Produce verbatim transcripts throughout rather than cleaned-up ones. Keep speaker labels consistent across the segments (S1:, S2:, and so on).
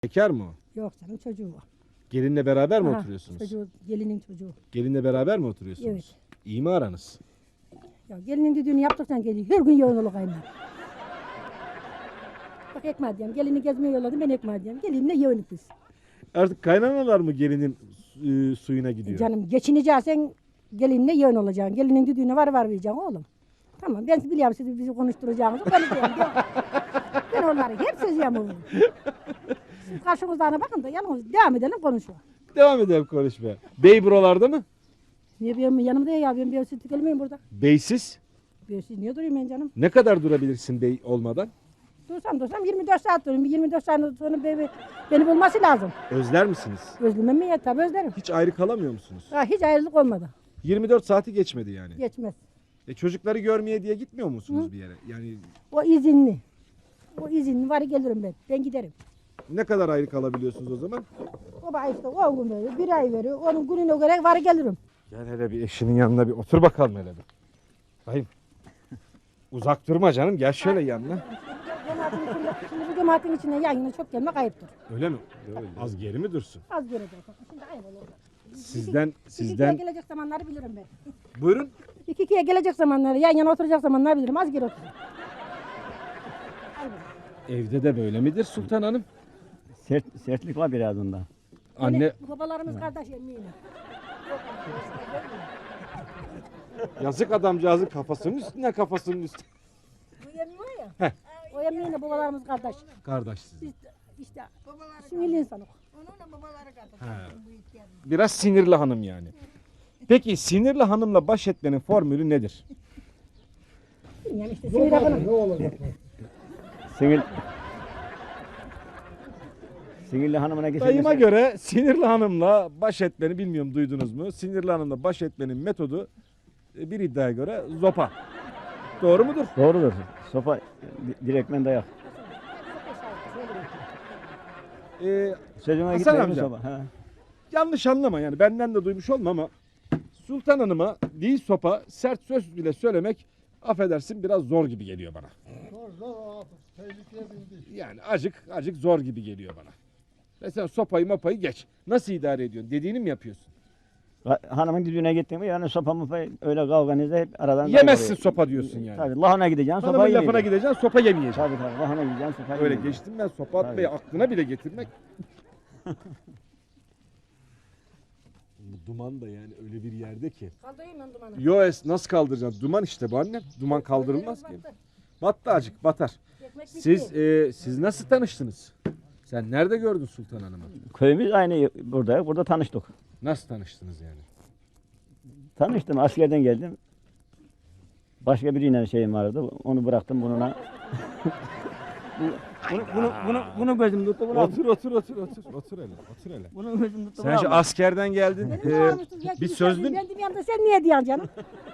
S1: Bekar mı o?
S2: Yok canım çocuğu var.
S1: Gelinle beraber mi
S2: Aha,
S1: oturuyorsunuz?
S2: Çocuğu, gelinin çocuğu.
S1: Gelinle beraber mi oturuyorsunuz?
S2: Evet.
S1: İyi mi aranız?
S2: Ya gelinin düdüğünü yaptıktan geliyor. Her gün yoğun olur kaynar. Bak ekmeği diyeyim. Gelini gezmeye yolladım ben ekmeği diyeyim. Gelinle yoğunluk biz.
S1: Artık kaynanalar mı gelinin e, suyuna gidiyor?
S2: Canım geçineceksen gelinle yoğun olacaksın. Gelinin düdüğüne var var vereceksin oğlum. Tamam ben biliyorum sizi bizi konuşturacağınızı konuşacağım. Ben onları hep sözüyorum oğlum. Siz karşımızdan bakın da yalnız devam edelim konuşuyor.
S1: Devam edelim konuşmaya. Bey buralarda mı?
S2: Niye benim yanımda ya ben bir süt gelmeyeyim burada.
S1: Beysiz.
S2: Bir süt niye durayım ben canım?
S1: Ne kadar durabilirsin bey olmadan?
S2: Dursam dursam yirmi dört saat durayım. yirmi dört saat sonra beni, beni bulması lazım.
S1: Özler misiniz?
S2: Özlemem mi ya? Tabii özlerim.
S1: Hiç ayrı kalamıyor musunuz?
S2: Ha, hiç ayrılık olmadı.
S1: yirmi dört saati geçmedi yani.
S2: Geçmez.
S1: E çocukları görmeye diye gitmiyor musunuz
S2: Hı?
S1: bir yere? Yani
S2: O izinli. O izinli var gelirim ben. Ben giderim.
S1: ne kadar ayrı kalabiliyorsunuz o zaman?
S2: O bana işte on gün veriyor. Bir ay veriyor. Onun gününe göre var gelirim.
S1: Gel hele bir eşinin yanına bir otur bakalım hele bir. Hayır. Uzak durma canım. Gel şöyle yanına.
S2: Cemaatin içinde, şimdi bu cemaatin içine yan yana çok gelmek ayıptır.
S1: Öyle mi? Az geri mi dursun?
S2: Az görecek. Şimdi aynı olur.
S1: Sizden
S2: İki
S1: sizden
S2: ikiye gelecek zamanları bilirim ben.
S1: buyurun.
S2: İki ikiye gelecek zamanları, yan yana oturacak zamanları bilirim. Az geri otur.
S1: Evde de böyle midir Sultan Hanım?
S3: Sert, sertlik var biraz onda.
S1: Anne
S2: Babalarımız kardeş eminim.
S1: yazık adamcağızın kafasının üstüne kafasının üstüne.
S2: Bu yemiyor ya. O eminim babalarımız kardeş.
S1: Kardeş sizin.
S2: Biz de işte sinirli insanız.
S1: Biraz sinirli hanım yani. Peki sinirli hanımla baş etmenin formülü nedir?
S2: Yani işte sinir akını.
S3: Sinir... Sinirli hanımına geçelim.
S1: Dayıma göre sinirli hanımla baş etmeni bilmiyorum duydunuz mu? Sinirli hanımla baş etmenin metodu e, bir iddiaya göre zopa. Doğru mudur?
S3: Doğrudur. Sopa di- direktmen dayak.
S1: Ee,
S3: Sözüme
S1: Hasan
S3: gitmiyor mu
S1: amca.
S3: sopa? Ha.
S1: yanlış anlama yani benden de duymuş olma ama Sultan Hanım'a değil sopa sert söz bile söylemek affedersin biraz zor gibi geliyor bana.
S4: Zor zor o tehlikeye bindi.
S1: Yani acık acık zor gibi geliyor bana. Ve sen sopayı mopayı geç. Nasıl idare ediyorsun? Dediğini mi yapıyorsun?
S3: Ha- Hanımın düdüğüne gittin mi yani sopa mı öyle kavganızda hep aradan...
S1: Yemezsin
S3: dayak
S1: sopa diyorsun
S3: oluyor.
S1: yani.
S3: Tabii lahana gideceksin sopa
S1: Hanımın lafına
S3: yemeyeceksin.
S1: gideceksin sopa yemeyeceksin.
S3: Tabii tabii lahana gideceksin sopa
S1: Öyle
S3: yemeyeceksin.
S1: geçtim ben sopa atmayı
S3: Tabii.
S1: aklına bile getirmek. Bu duman da yani öyle bir yerde ki.
S2: Kaldırayım ben dumanı.
S1: Yo es nasıl kaldıracaksın? Duman işte bu annem. Duman kaldırılmaz ki. Battı acık batar.
S2: Ekmek bitti.
S1: Siz e, siz nasıl tanıştınız? Sen nerede gördün Sultan Hanım'ı?
S3: Köyümüz aynı burada. Burada tanıştık.
S1: Nasıl tanıştınız yani?
S3: Tanıştım askerden geldim. Başka biriyle şeyim vardı. Onu bıraktım bununla. bunu, bunu, bunu, bunu gözüm tuttu. Bunu,
S1: Otur otur otur otur otur hele otur hele.
S3: bunu gözüm tuttu.
S1: Sen
S3: bunu
S1: şu
S3: almadım.
S1: askerden geldin.
S2: Benim
S1: e,
S2: ne olmuştu? Ya
S1: bir
S2: kimse
S1: sözlün.
S2: Ben de bir anda sen niye diyorsun canım?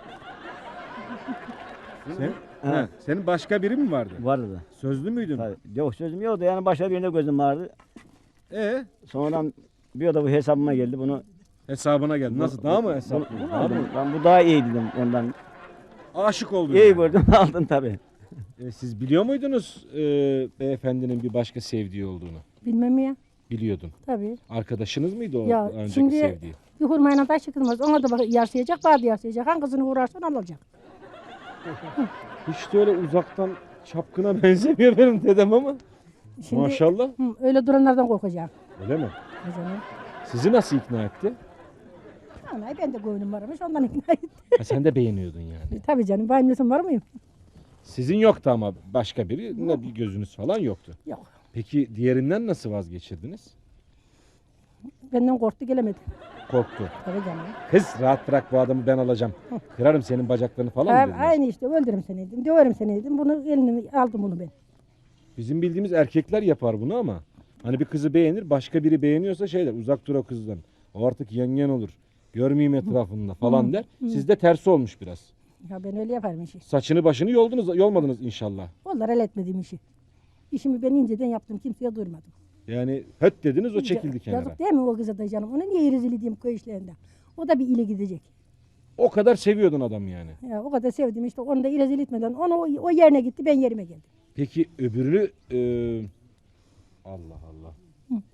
S1: Sen,
S3: Ha.
S1: ha, senin başka biri mi vardı?
S3: Vardı da.
S1: Sözlü müydün?
S3: Tabii. Yok sözüm yoktu yani başka birinde gözüm vardı.
S1: E
S3: Sonradan bir da bu hesabıma geldi bunu.
S1: hesabına geldi. Nasıl? Daha mı hesap?
S3: Bunu, bunu
S1: Daha mı?
S3: aldım. Ben bu daha iyi dedim ondan.
S1: Aşık oldun.
S3: İyi
S1: yani.
S3: gördüm aldın tabii.
S1: E, siz biliyor muydunuz e, beyefendinin bir başka sevdiği olduğunu?
S2: Bilmem mi ya?
S1: Biliyordun.
S2: Tabii.
S1: Arkadaşınız mıydı o
S2: Ya
S1: önceki
S2: şimdi
S1: sevdiği?
S2: bir hurmayla taş çıkılmaz. Ona da bak yarsayacak, bana da yarsayacak. Hangisini uğrarsan alacak.
S1: Hiç de öyle uzaktan çapkına benzemiyor benim dedem ama.
S2: Şimdi,
S1: Maşallah.
S2: Hı, öyle duranlardan korkacağım.
S1: Öyle mi?
S2: O zaman.
S1: Sizi nasıl ikna etti?
S2: Vallahi ben de gönlüm varmış ondan ikna ettim.
S1: Ha, sen de beğeniyordun yani.
S2: Tabii canım benim nesim var mıyım?
S1: Sizin yoktu ama başka biri ne bir gözünüz falan yoktu.
S2: Yok.
S1: Peki diğerinden nasıl vazgeçirdiniz?
S2: Benden korktu gelemedi.
S1: Korktu.
S2: Tabii canım.
S1: Kız rahat bırak bu adamı ben alacağım. Kırarım senin bacaklarını falan mı
S2: Tabii,
S1: dediniz?
S2: aynı işte öldürürüm seni dedim. Döverim seni dedim. Bunu elini aldım bunu ben.
S1: Bizim bildiğimiz erkekler yapar bunu ama hani bir kızı beğenir başka biri beğeniyorsa şey der uzak dur o kızdan. O artık yengen olur. Görmeyeyim etrafında falan der. Sizde tersi olmuş biraz.
S2: Ya ben öyle yaparım işi.
S1: Saçını başını yoldunuz, yolmadınız inşallah.
S2: Onlar el etmediğim işi. İşimi ben inceden yaptım. Kimseye duyurmadım.
S1: Yani höt dediniz o çekildi kenara.
S2: Yazık değil mi o kıza da canım? Ona niye rezil edeyim köy işlerinde? O da bir ile gidecek.
S1: O kadar seviyordun adam yani.
S2: Ya o kadar sevdim işte onu da rezil etmeden onu o, o yerine gitti ben yerime geldim.
S1: Peki öbürünü e, Allah Allah.
S2: Hı.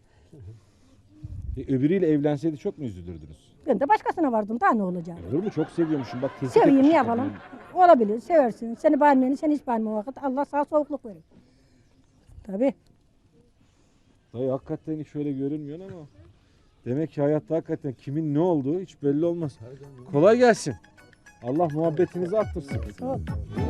S1: E, öbürüyle evlenseydi çok mu üzülürdünüz?
S2: Ben de başkasına vardım. Daha ne olacak?
S1: Olur mu? Çok seviyormuşum. Bak tespit
S2: Seveyim ne
S1: etmişim
S2: yapalım?
S1: kadını.
S2: Olabilir. Seversin. Seni beğenmeyeni sen hiç beğenme vakit. Allah sana soğukluk verir. Tabii.
S1: Dayı hakikaten hiç öyle görünmüyor ama. Demek ki hayatta hakikaten kimin ne olduğu hiç belli olmaz. Kolay gelsin. Allah muhabbetinizi arttırsın.
S2: Sağ ol.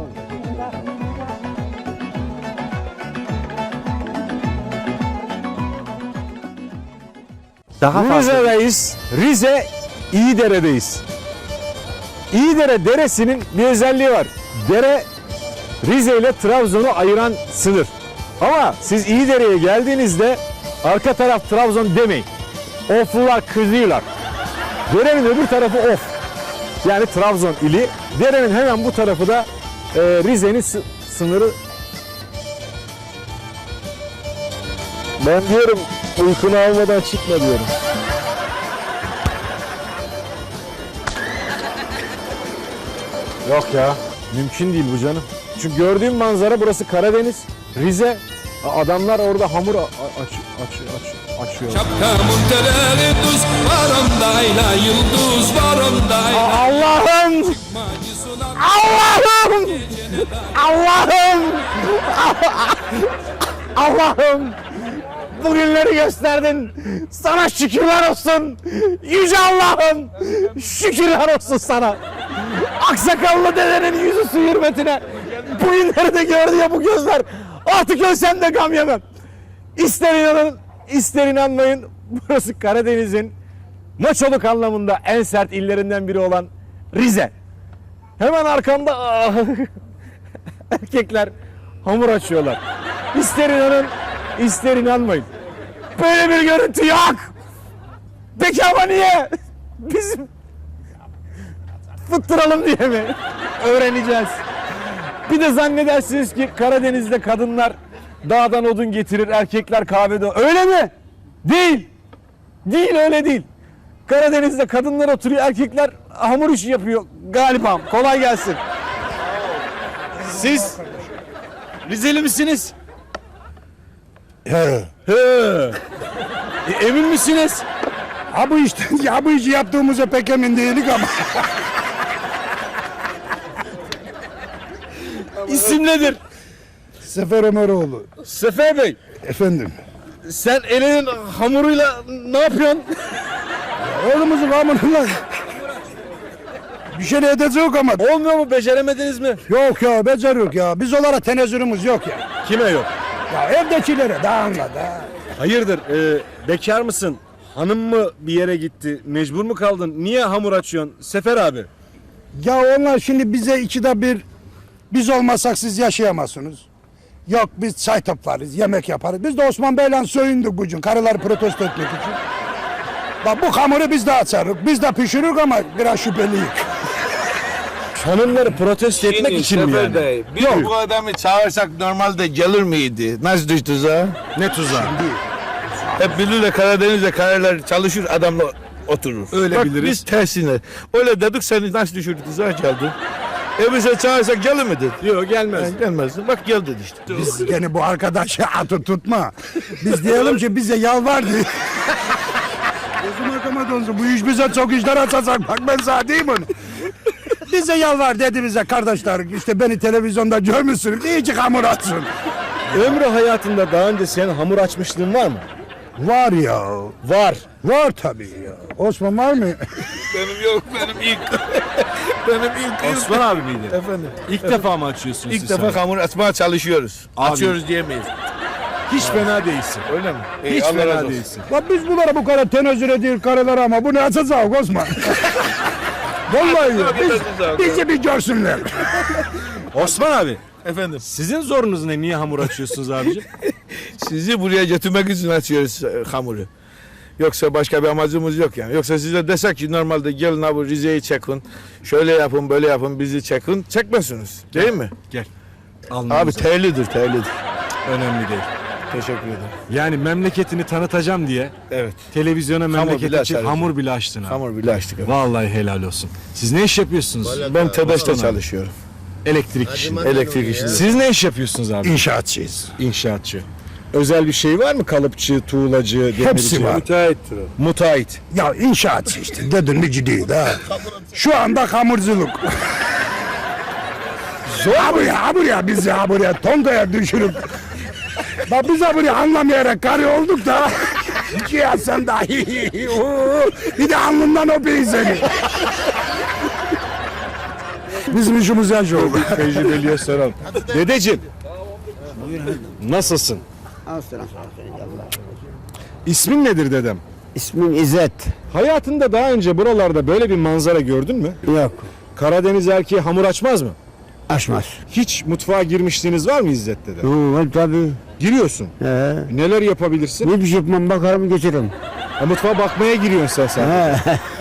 S5: Daha fazla.
S6: Rize'deyiz. Rize İyidere'deyiz. İyidere deresinin bir özelliği var. Dere Rize ile Trabzon'u ayıran sınır. Ama siz İyidere'ye geldiğinizde arka taraf Trabzon demeyin. Oflular kızıyorlar. Derenin öbür tarafı Of. Yani Trabzon ili. Derenin hemen bu tarafı da e, Rize'nin sı- sınırı. Ben diyorum uykunu almadan çıkma diyorum. Yok ya, mümkün değil bu canım. Çünkü gördüğüm manzara burası Karadeniz, Rize. Adamlar orada hamur a- a- aç, aç, aç, açıyor.
S7: Şapkamın tereri düz var ondayla yıldız var ondayla.
S6: Allah'ım! Allah'ım! Allah'ım! Allah'ım! Bugünleri gösterdin. Sana şükürler olsun. Yüce Allah'ım! Şükürler olsun sana. Aksakallı dedenin yüzü su hürmetine. Bugünleri de gördü ya bu gözler. Artık ölsem de gam yemem. İster inanın, ister inanmayın. Burası Karadeniz'in maçoluk anlamında en sert illerinden biri olan Rize. Hemen arkamda ah, erkekler hamur açıyorlar. İster inanın, ister inanmayın. Böyle bir görüntü yok. Peki ama niye? Bizim fıttıralım diye mi? Öğreneceğiz. Bir de zannedersiniz ki Karadeniz'de kadınlar dağdan odun getirir, erkekler kahvede. Öyle mi? Değil. Değil, öyle değil. Karadeniz'de kadınlar oturuyor, erkekler hamur işi yapıyor galiba. Kolay gelsin. Siz Rizeli misiniz?
S4: He.
S6: He. E, emin misiniz?
S4: Ha bu işte, ya bu işi yaptığımıza pek emin değilik ama.
S6: İsim nedir?
S4: Sefer Ömeroğlu.
S6: Sefer Bey,
S4: Efendim.
S6: sen elinin hamuruyla ne yapıyorsun?
S4: Oğlumuzun hamuruyla bir şey edecek ama.
S6: Olmuyor mu? Beceremediniz mi?
S4: Yok ya, becer yok ya. Biz onlara tenezzülümüz yok ya.
S6: Kime yok?
S4: Ya evdekilere daha anla da.
S6: Hayırdır? E, bekar mısın? Hanım mı bir yere gitti? Mecbur mu kaldın? Niye hamur açıyorsun? Sefer abi.
S4: Ya onlar şimdi bize ikide bir biz olmasak siz yaşayamazsınız. Yok biz çay toplarız, yemek yaparız. Biz de Osman Bey'le soyunduk bugün karıları protesto etmek için. Bak bu hamuru biz de açarız, biz de pişiririz ama biraz şüpheliyiz.
S6: Hanımları protesto etmek için mi yani?
S8: Bey, biz bu adamı çağırsak normalde gelir miydi? Nasıl düştü tuzağa?
S6: Ne tuzağı?
S8: Hep bilirler Karadeniz'de karılar çalışır adamla oturur.
S6: Öyle
S8: Bak,
S6: biliriz.
S8: biz tersine. Öyle dedik seni nasıl düşürdü tuzağa geldin. E bize çağırsak gelir miydi?
S6: Yok gelmez.
S8: Yani gelmezdin. Bak gel dedi işte.
S4: Biz gene bu arkadaşı atı tutma. Biz diyelim ki bize yalvar diye. Gözüm arkama dönsün. Bu iş bize çok işler açacak. Bak ben sana diyeyim onu. Bize yalvar dedi bize kardeşler. İşte beni televizyonda görmüşsünüz. İyice hamur atsın.
S6: Ömrü hayatında daha önce senin hamur açmışlığın var mı?
S4: Var ya.
S6: Var.
S4: Var tabii ya. Osman var mı?
S8: Benim yok benim ilk. benim ilk.
S6: Osman abi miydi?
S8: Efendim.
S6: İlk defa mı açıyorsunuz
S8: İlk
S6: siz
S8: defa
S6: hamur?
S8: hamur açmaya çalışıyoruz.
S6: Abi.
S8: Açıyoruz diyemeyiz.
S6: Hiç fena değilsin.
S8: Öyle mi? İyi,
S6: Hiç
S8: Allah razı
S6: fena
S8: olsun.
S6: değilsin.
S4: Bak biz bunlara bu kadar tenezzül ediyoruz karılara ama bu ne açacak Osman? Vallahi ya. Biz, bizi bir görsünler.
S6: Osman abi,
S8: Efendim.
S6: sizin zorunuz ne? Niye hamur açıyorsunuz abicim?
S8: Sizi buraya getirmek için açıyoruz e, hamuru. Yoksa başka bir amacımız yok yani. Yoksa size desek ki normalde gelin abi Rize'yi çekin. Şöyle yapın böyle yapın bizi çekin. Çekmezsiniz. Değil mi?
S6: Gel.
S8: Abi
S6: Alnımıza.
S8: terlidir terlidir.
S6: Önemli değil.
S8: Teşekkür ederim.
S6: Yani memleketini tanıtacağım diye
S8: Evet.
S6: televizyona memleket
S8: bile
S6: için
S8: açarız.
S6: hamur bile açtın abi.
S8: Hamur bile açtık. Abi.
S6: Vallahi helal olsun. Siz ne iş yapıyorsunuz?
S8: Ben TEDAŞ'ta
S6: Osman abi.
S8: çalışıyorum.
S6: Elektrik işinde.
S8: Elektrik işinde.
S6: Siz ne iş yapıyorsunuz abi?
S4: İnşaatçıyız.
S6: İnşaatçı. özel bir şey var mı? Kalıpçı, tuğlacı, demirci?
S4: Hepsi var.
S1: Müteahhittir o.
S6: Müteahhit.
S4: Ya inşaatçı işte dedin mi ciddi ha. Şu anda hamurculuk. Zor ha buraya, ha buraya biz ya buraya tontaya düşürüp. Bak biz ha buraya anlamayarak karı olduk da. Ki ya sen dahi. Bir de alnından öpeyim seni. Bizim işimiz yaş oldu.
S6: Tecrübeliye soralım. Dedeciğim. Nasılsın? İsmin nedir dedem?
S3: İsmim İzzet.
S6: Hayatında daha önce buralarda böyle bir manzara gördün mü?
S3: Yok.
S6: Karadeniz erkeği hamur açmaz mı?
S3: Açmaz.
S6: Hiç mutfağa girmişliğiniz var mı İzzet dede?
S3: Var tabii.
S6: Giriyorsun.
S3: He.
S6: Neler yapabilirsin?
S3: Ne bir şey yapmam bakarım geçerim.
S6: Ha, mutfağa bakmaya giriyorsun sen sen.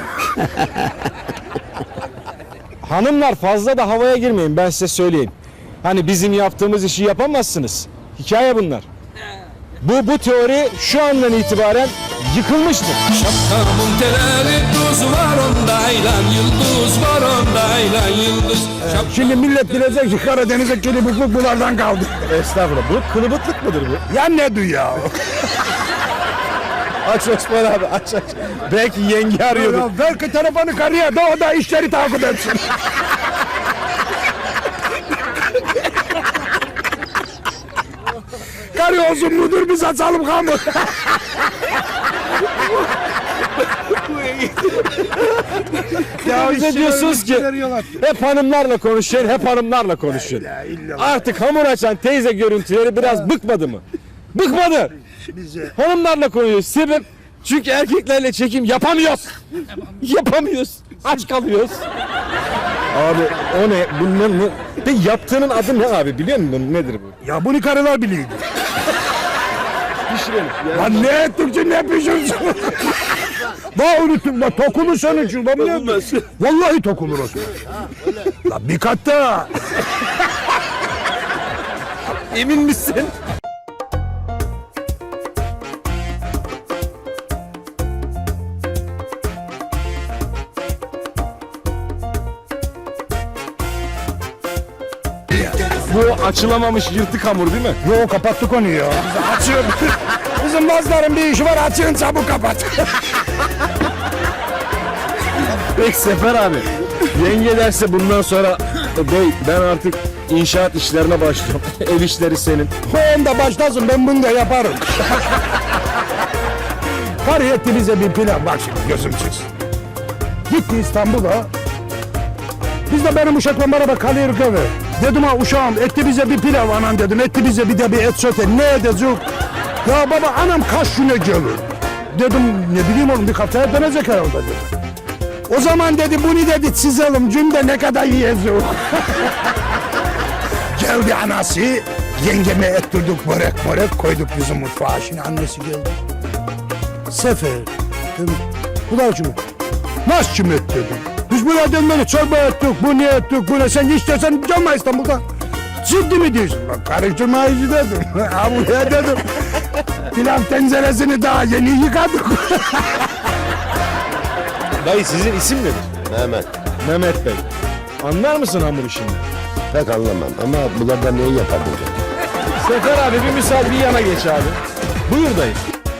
S6: Hanımlar fazla da havaya girmeyin, ben size söyleyeyim. Hani bizim yaptığımız işi yapamazsınız. Hikaye bunlar. Bu bu teori şu andan itibaren yıkılmıştır.
S7: Şapkamın teleri tuz var ondayla yıldız var ondayla yıldız.
S4: Şimdi millet bilecek ki Karadeniz'e kelibukluk bunlardan kaldı.
S6: Estağfurullah. Bu kılıbıklık mıdır bu?
S4: Ya ne diyor ya?
S6: Aç Osman abi aç aç. Belki yenge arıyordur.
S4: Ya ver ki telefonu karıya da o da işleri takip etsin. Karı olsun mudur biz açalım hamur.
S6: Ya bize diyorsunuz ki hep hanımlarla konuşuyor, hep hanımlarla konuşuyor. Artık hamur açan teyze görüntüleri biraz bıkmadı mı? Bıkmadı. Hanımlarla konuşuyoruz. Sebep çünkü erkeklerle çekim yapamıyoruz. Yapamıyoruz. Aç kalıyoruz. Abi o ne? Bu ne? ne? Peki yaptığının adı ne abi? Biliyor musun? Nedir bu?
S4: Ya bunu karılar biliyor.
S6: Pişirelim.
S4: Lan ne Türkçe ne pişirsin? Daha unuttum la tokulu sonucu lan ne? Vallahi tokulur o. La bir kat daha.
S6: Emin misin? Bu açılamamış yırtık hamur değil mi?
S4: Yo kapattık onu ya. Açın. Bizim bazıların bir işi var açın çabuk kapat.
S6: Peki Sefer abi. Yenge derse bundan sonra bey ben artık inşaat işlerine başlıyorum. Ev işleri senin.
S4: O onda başlasın ben bunu da yaparım. Karı etti bize bir plan. Bak şimdi gözüm çıksın. Gitti İstanbul'a. Biz de benim uşakla beraber kalıyoruz eve. Dedim ha uşağım etti bize bir pilav anam dedim. Etti bize bir de bir et sote. Ne edecek? Ya baba anam kaç güne gelir? Dedim ne bileyim oğlum bir haftaya dönecek herhalde dedim. O zaman dedi bunu dedi çizelim cümle ne kadar yiyeceğiz. Geldi anası yengeme ettirdik börek börek koyduk bizim mutfağa. Şimdi annesi geldi. Sefer dedim kulağıcım nasıl kim et dedim. Biz buraya dönmeli çorba ettik bu ne ettik bu ne sen istersen gelme İstanbul'da. Ciddi mi diyorsun? Bak karıştırma işi dedim. Ha buraya dedim. Pilav tenceresini daha yeni yıkadık.
S6: Dayı sizin isim nedir?
S5: Mehmet.
S6: Mehmet Bey. Anlar mısın hamur işinden?
S5: Pek anlamam ama bunlardan neyi yapardın?
S6: Sefer abi bir misal bir yana geç abi. Buyur dayı.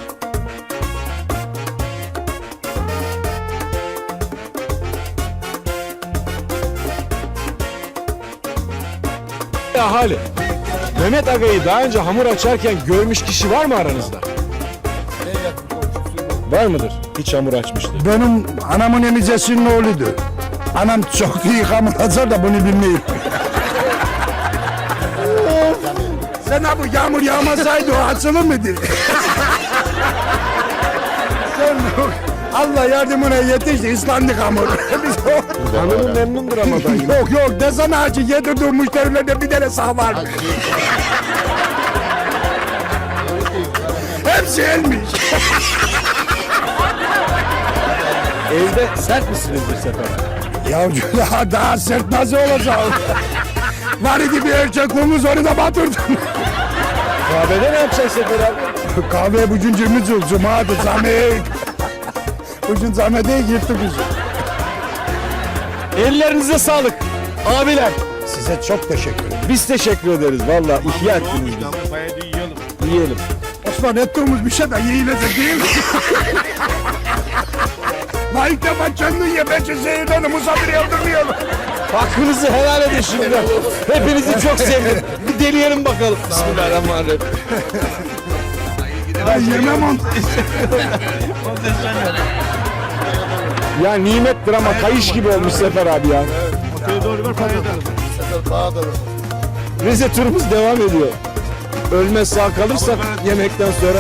S6: Ahali. Mehmet Aga'yı daha önce hamur açarken görmüş kişi var mı aranızda? Var mıdır? Hiç hamur açmıştır.
S4: Benim anamın emicesinin oğluydu. Anam çok iyi hamur açar da bunu bilmiyor. Sen ha bu yağmur yağmasaydı o açılır mıydı? Sen Allah yardımına yetişti ıslandık hamur. Biz o...
S6: Hanımı memnundur ama dayı.
S4: Yok yok desene acı yedirdiğim müşterilerden bir tane sağ var. Hepsi elmiş.
S6: Evde sert misinizdir Sefer?
S4: Ya ya daha sert nasıl olacak? Var idi bir erkekliğimiz onu da batırdım.
S6: Kahvede ne yapacaksın Sefer abi?
S4: Kahve bugün cümle cül, cumadır, zamek. Bugün zamede yırttık biz.
S6: Ellerinize sağlık. Abiler.
S4: Size çok teşekkür ederim.
S6: Biz teşekkür ederiz. Vallahi ihya ettiniz bizi. Yiyelim.
S4: pişman ettiğimiz bir şey de yiyilecek değil mi? La ilk defa kendin ye, ben seyirden misafir yaptırmayalım.
S6: Hakkınızı helal edin şimdi. Hepinizi çok sevdim. Bir deneyelim bakalım. Bismillahirrahmanirrahim.
S4: Ben yemem onu.
S6: Ya nimettir ama kayış gibi olmuş Sefer abi ya. Rize turumuz devam ediyor. Ölmez sağ kalırsak yemekten sonra.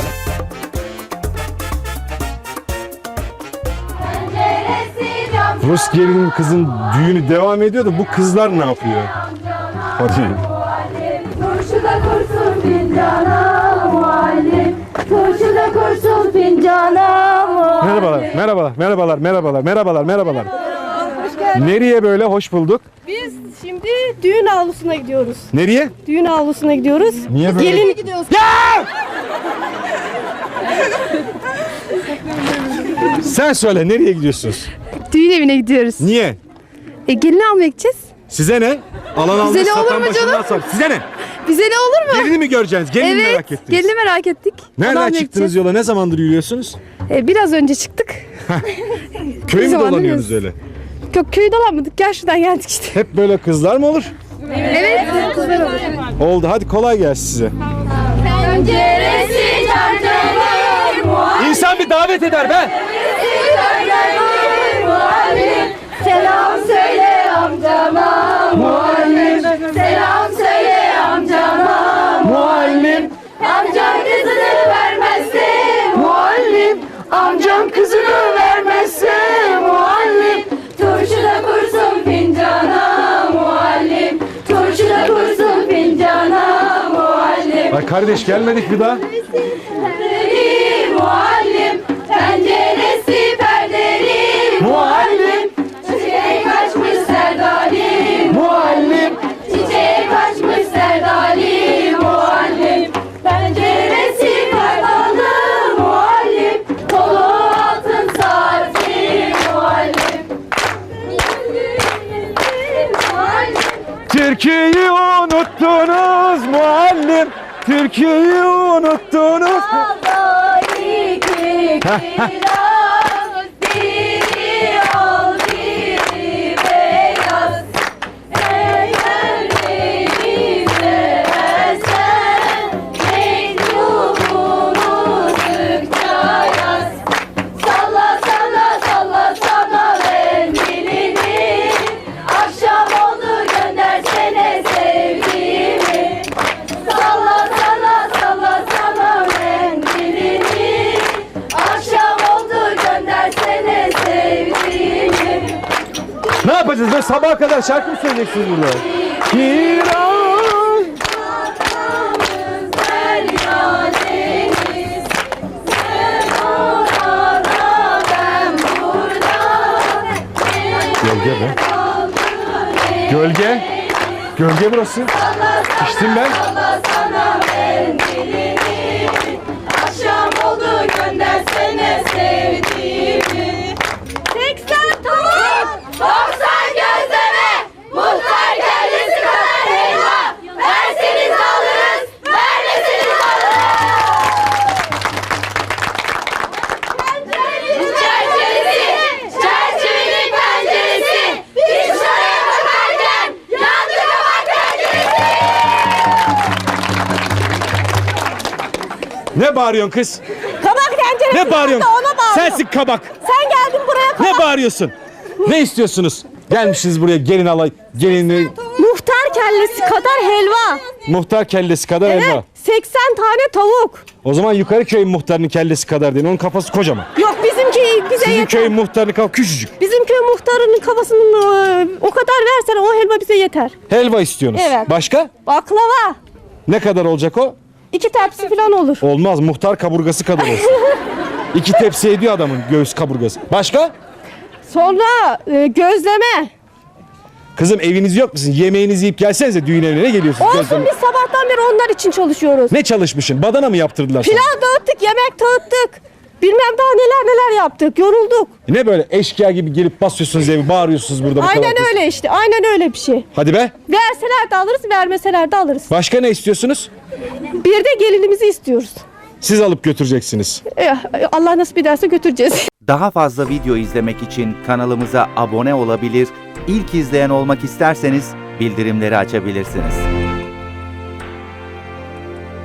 S6: Rus gelinin kızın düğünü devam ediyor da bu kızlar ne yapıyor? Hadi.
S9: Turşuda kursun fincana muallim. Turşuda kursun fincana muallim.
S6: Merhabalar, merhabalar, merhabalar, merhabalar, merhabalar, merhabalar. Nereye böyle? Hoş bulduk.
S10: Biz şimdi düğün avlusuna gidiyoruz.
S6: Nereye?
S10: Düğün avlusuna gidiyoruz.
S6: Niye böyle?
S10: Gelin gidiyoruz.
S6: Sen söyle, nereye gidiyorsunuz?
S10: Düğün evine gidiyoruz.
S6: Niye?
S10: E gelini almaya gideceğiz.
S6: Size ne? Alan almış,
S10: Bize ne olur
S6: satan
S10: mu
S6: başından
S10: canım?
S6: sar. Size ne?
S10: Bize ne olur mu?
S6: Gelini mi göreceksiniz? Gelini mi
S10: Evet.
S6: merak ettiniz?
S10: Gelini merak ettik. Onu
S6: Nereden
S10: almaya
S6: çıktınız
S10: gideceğiz.
S6: yola? Ne zamandır yürüyorsunuz?
S10: E, biraz önce çıktık.
S6: Köy mü
S10: zamandır
S6: dolanıyorsunuz
S10: yürüyoruz.
S6: öyle?
S10: Yok köyü dolanmadık. Gel şuradan geldik işte.
S6: Hep böyle kızlar mı olur?
S10: Evet. Kızlar olur.
S6: Oldu. Hadi kolay gelsin size.
S9: Penceresi çarşafı muallim.
S6: İnsan bir davet eder be.
S9: Muallim. Selam söyle amcama muallim. Selam söyle amcama muallim. Amcam kızını vermezse muallim. Amcam kızını vermezse muallim. Turşuda kursun fincana muallim. Turşuda kursun fincana muallim.
S6: Ay kardeş gelmedik bir daha.
S9: Perdeli muallim. Penceresi perdeli muallim. Çiçeğe kaçmış serdali muallim. Çiçeğe kaçmış serdali muallim. Penceresi kardalı muallim. Kolu altın saati muallim. Muallim.
S6: Türkiye'yi unuttunuz muallim. Türkiye'yi unuttunuz.
S9: Allah iki kiraz, biri al biri beyaz. Eğer beni seversen mektubunu sıkça yaz. Salla salla salla salla mendilini. Akşam oldu göndersene sevdiğimi. Salla salla salla salla mendilini. Akşam oldu göndersene sevdiğimi.
S6: Ne yapacağız? Böyle sabaha kadar şarkı mı söyleyeceksiniz burada? Kiraz.
S9: Vatanımız derya deniz. Sen orada ben burada.
S6: Gölge be. Gölge. Gölge burası. İçtim ben.
S9: Salla sana mendilini. Akşam oldu göndersene sevdiğimi. seksen tavuk, doksan gözleme, muhtar kellesi kadar helva. Verseniz alırız, vermeseniz alırız. Çerçevesi, çerçevenin penceresi. Biz şuraya bakarken yandı kabak tenceresi.
S6: Ne bağırıyorsun kız?
S10: Kabak tenceresi.
S6: Ne bağırıyorsun?
S10: Ona bağırıyor.
S6: Sensin kabak.
S10: Sen geldin buraya kabak.
S6: Ne bağırıyorsun? Ne istiyorsunuz? Gelmişsiniz buraya gelin alay, gelini
S10: Muhtar kellesi kadar helva.
S6: muhtar kellesi kadar elma.
S10: Evet. seksen tane tavuk.
S6: O zaman yukarı köyün muhtarının kellesi kadar değil. Onun kafası kocaman.
S10: Yok bizimki bize
S6: Sizin
S10: yeter.
S6: köyün muhtarının kafası küçücük.
S10: Bizim köy muhtarının kafasının e, o kadar versen o helva bize yeter.
S6: Helva istiyorsunuz.
S10: Evet.
S6: Başka?
S10: Baklava.
S6: Ne kadar olacak o?
S10: İki tepsi falan olur.
S6: Olmaz. Muhtar kaburgası kadar olsun. İki tepsi ediyor adamın göğüs kaburgası. Başka?
S10: Sonra e, gözleme.
S6: Kızım eviniz yok musun? Yemeğinizi yiyip gelsenize düğün evine. Ne geliyorsunuz?
S10: Olsun
S6: Gözleme-
S10: biz sabahtan beri onlar için çalışıyoruz.
S6: Ne çalışmışsın? Badana mı yaptırdılar sana?
S10: Pilav dağıttık, yemek dağıttık. Bilmem daha neler neler yaptık. Yorulduk.
S6: Ne böyle eşkıya gibi gelip basıyorsunuz evi, bağırıyorsunuz burada bu kadar
S10: Aynen
S6: kız?
S10: öyle işte. Aynen öyle bir şey.
S6: Hadi be.
S10: Verseler de alırız, vermeseler de alırız.
S6: Başka ne istiyorsunuz?
S10: Bir de gelinimizi istiyoruz.
S6: Siz alıp götüreceksiniz.
S10: Eh, Allah nasip ederse götüreceğiz.
S11: Daha fazla video izlemek için kanalımıza abone olabilir, ilk izleyen olmak isterseniz bildirimleri açabilirsiniz.